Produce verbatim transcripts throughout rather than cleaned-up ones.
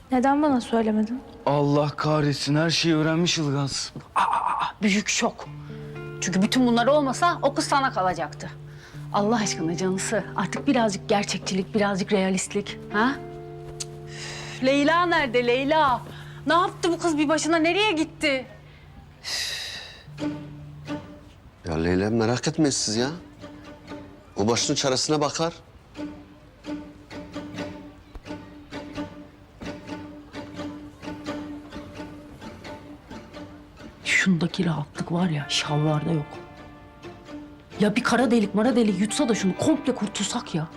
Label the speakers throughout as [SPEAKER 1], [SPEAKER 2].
[SPEAKER 1] Neden bana söylemedin?
[SPEAKER 2] Allah kahretsin, her şeyi öğrenmiş Ilgaz.
[SPEAKER 3] Aa, aa, büyük şok. Çünkü bütün bunlar olmasa o kız sana kalacaktı. Allah aşkına canısı. Artık birazcık gerçekçilik, birazcık realistlik. Ha? Üf, Leyla nerede Leyla? Ne yaptı bu kız bir başına? Nereye gitti?
[SPEAKER 4] Ya Leyla merak etmeyin siz ya. O başının çaresine bakar.
[SPEAKER 3] Şundaki rahatlık var ya, şalvarda yok. Ya bir kara delik mara delik yutsa da şunu komple kurtulsak ya.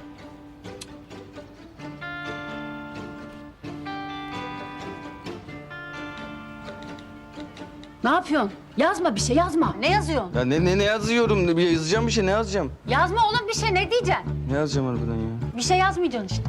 [SPEAKER 3] Ne yapıyorsun? Yazma bir şey, yazma. Ne yazıyorsun?
[SPEAKER 2] Ya ne ne ne yazıyorum? Bir yazacağım bir şey, ne yazacağım?
[SPEAKER 3] Yazma oğlum bir şey, ne diyeceksin?
[SPEAKER 2] Ne yazacağım harbiden ya?
[SPEAKER 3] Bir şey yazmayacaksın işte.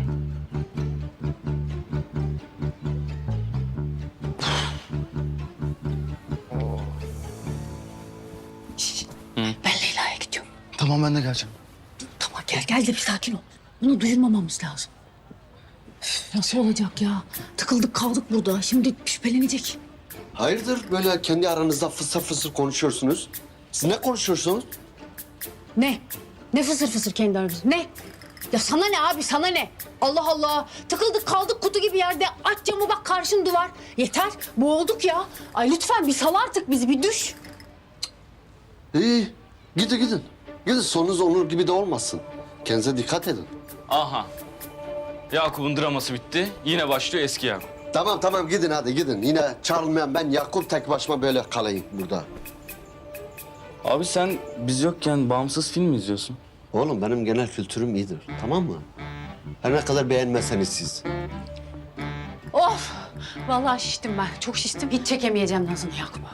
[SPEAKER 3] Şişt, ben Leyla'ya gidiyorum.
[SPEAKER 2] Tamam, ben de geleceğim.
[SPEAKER 3] Tamam gel, gel de bir sakin ol. Bunu duyurmamamız lazım. Üf, nasıl olacak ya? Tıkıldık kaldık burada. Şimdi şüphelenecek.
[SPEAKER 4] Hayırdır böyle kendi aranızda fısır fısır konuşuyorsunuz? Siz ne konuşuyorsunuz?
[SPEAKER 3] Ne? Ne fısır fısır kendi aramızda? Ne? Ya sana ne abi, sana ne? Allah Allah. Tıkıldık kaldık kutu gibi yerde. Aç camı bak, karşın duvar. Yeter. Boğulduk ya. Ay lütfen bir sal artık bizi, bir düş.
[SPEAKER 4] İyi, gidin gidin. Gidin, sonunuz Onur gibi de olmasın. Kendinize dikkat edin.
[SPEAKER 2] Aha. Yakup'un draması bitti. Yine başlıyor eski Yakup.
[SPEAKER 4] Tamam tamam gidin hadi gidin. Yine çağrılmayan ben Yakup tek başıma böyle kalayım burada.
[SPEAKER 2] Abi sen biz yokken bağımsız film mi izliyorsun?
[SPEAKER 4] Oğlum benim genel kültürüm iyidir, tamam mı? Her ne kadar beğenmezseniz siz.
[SPEAKER 3] Of! Vallahi şiştim ben. Çok şiştim. Hiç çekemeyeceğim Nazını Yakup'a.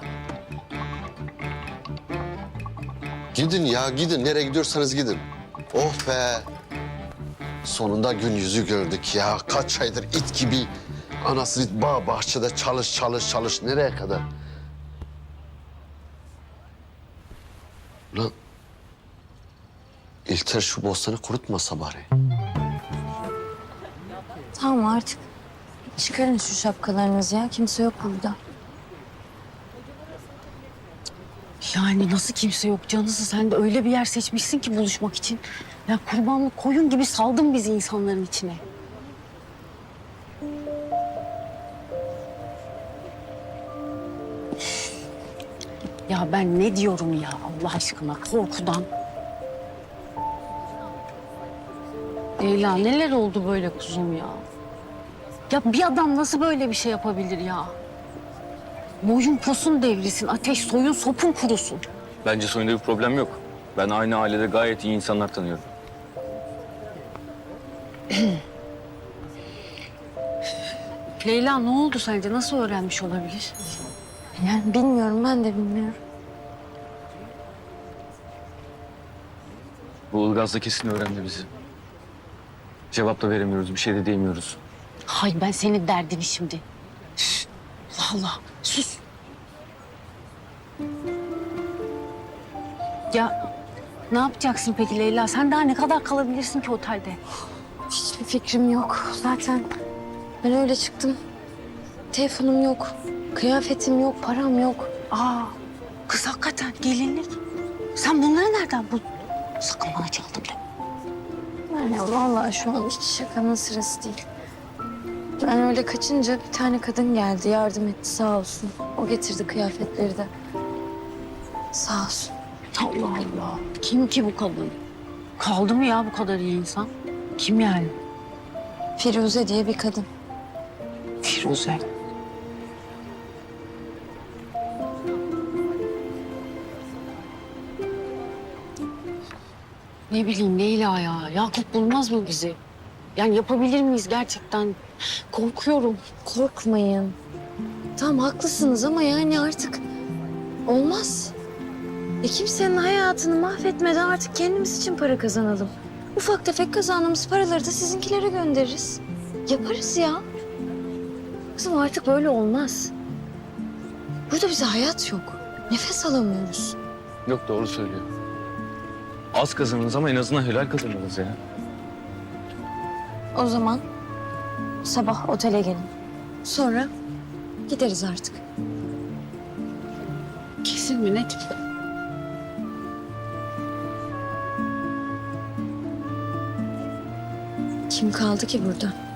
[SPEAKER 4] Gidin ya gidin, nereye gidiyorsanız gidin. Oh be! Sonunda gün yüzü gördük ya. Kaç aydır it gibi anasını bağ bahçede çalış çalış çalış. Nereye kadar? Ulan İlter şu bostanı kurutmasa bari.
[SPEAKER 1] Tamam artık. Çıkarın şu şapkalarınızı ya. Kimse yok burada.
[SPEAKER 3] Yani nasıl kimse yok canısı? Sen de öyle bir yer seçmişsin ki buluşmak için. Ya kurbanlık koyun gibi saldın bizi insanların içine. Ya ben ne diyorum ya Allah aşkına korkudan. Leyla neler oldu böyle kuzum ya? Ya bir adam nasıl böyle bir şey yapabilir ya? Boyun posun devrilsin, ateş soyun sopun kurusun.
[SPEAKER 2] Bence soyunda bir problem yok. Ben aynı ailede gayet iyi insanlar tanıyorum.
[SPEAKER 3] Leyla ne oldu sence? Nasıl öğrenmiş olabilir?
[SPEAKER 1] Yani bilmiyorum, ben de bilmiyorum.
[SPEAKER 2] Bu Ilgaz da kesin öğrendi bizi. Cevap da veremiyoruz, bir şey de diyemiyoruz.
[SPEAKER 3] Hay ben senin derdini şimdi. Üf, Allah Allah sus. Ya ne yapacaksın peki Leyla? Sen daha ne kadar kalabilirsin ki otelde?
[SPEAKER 1] Hiçbir fikrim yok. Zaten ben öyle çıktım. Telefonum yok. Kıyafetim yok, param yok.
[SPEAKER 3] Aa kız hakikaten gelinlik. Sen bunları nereden buldun? Sakın bana çaldın deme.
[SPEAKER 1] Yani vallahi şu an hiç şakanın sırası değil. Ben öyle kaçınca bir tane kadın geldi, yardım etti sağ olsun. O getirdi kıyafetleri de. Sağ olsun.
[SPEAKER 3] Allah Allah. Kim ki bu kadın? Kaldı mı ya bu kadar iyi insan? Kim yani?
[SPEAKER 1] Firuze diye bir kadın.
[SPEAKER 3] Firuze. Ne bileyim Leyla ya. Yakup bulmaz mı bizi? Yani yapabilir miyiz gerçekten? Korkuyorum.
[SPEAKER 1] Korkmayın. Tamam haklısınız ama yani artık olmaz. E kimsenin hayatını mahvetmeden artık kendimiz için para kazanalım. Ufak tefek kazandığımız paraları da sizinkilere göndeririz. Yaparız ya. Kızım artık böyle olmaz. Burada bize hayat yok. Nefes alamıyoruz.
[SPEAKER 2] Yok, doğru söylüyor. Az kazanırız ama en azından helal kazanırız ya.
[SPEAKER 1] O zaman sabah otele gelin. Sonra gideriz artık.
[SPEAKER 3] Kesin mi, net mi?
[SPEAKER 1] Kim kaldı ki burada?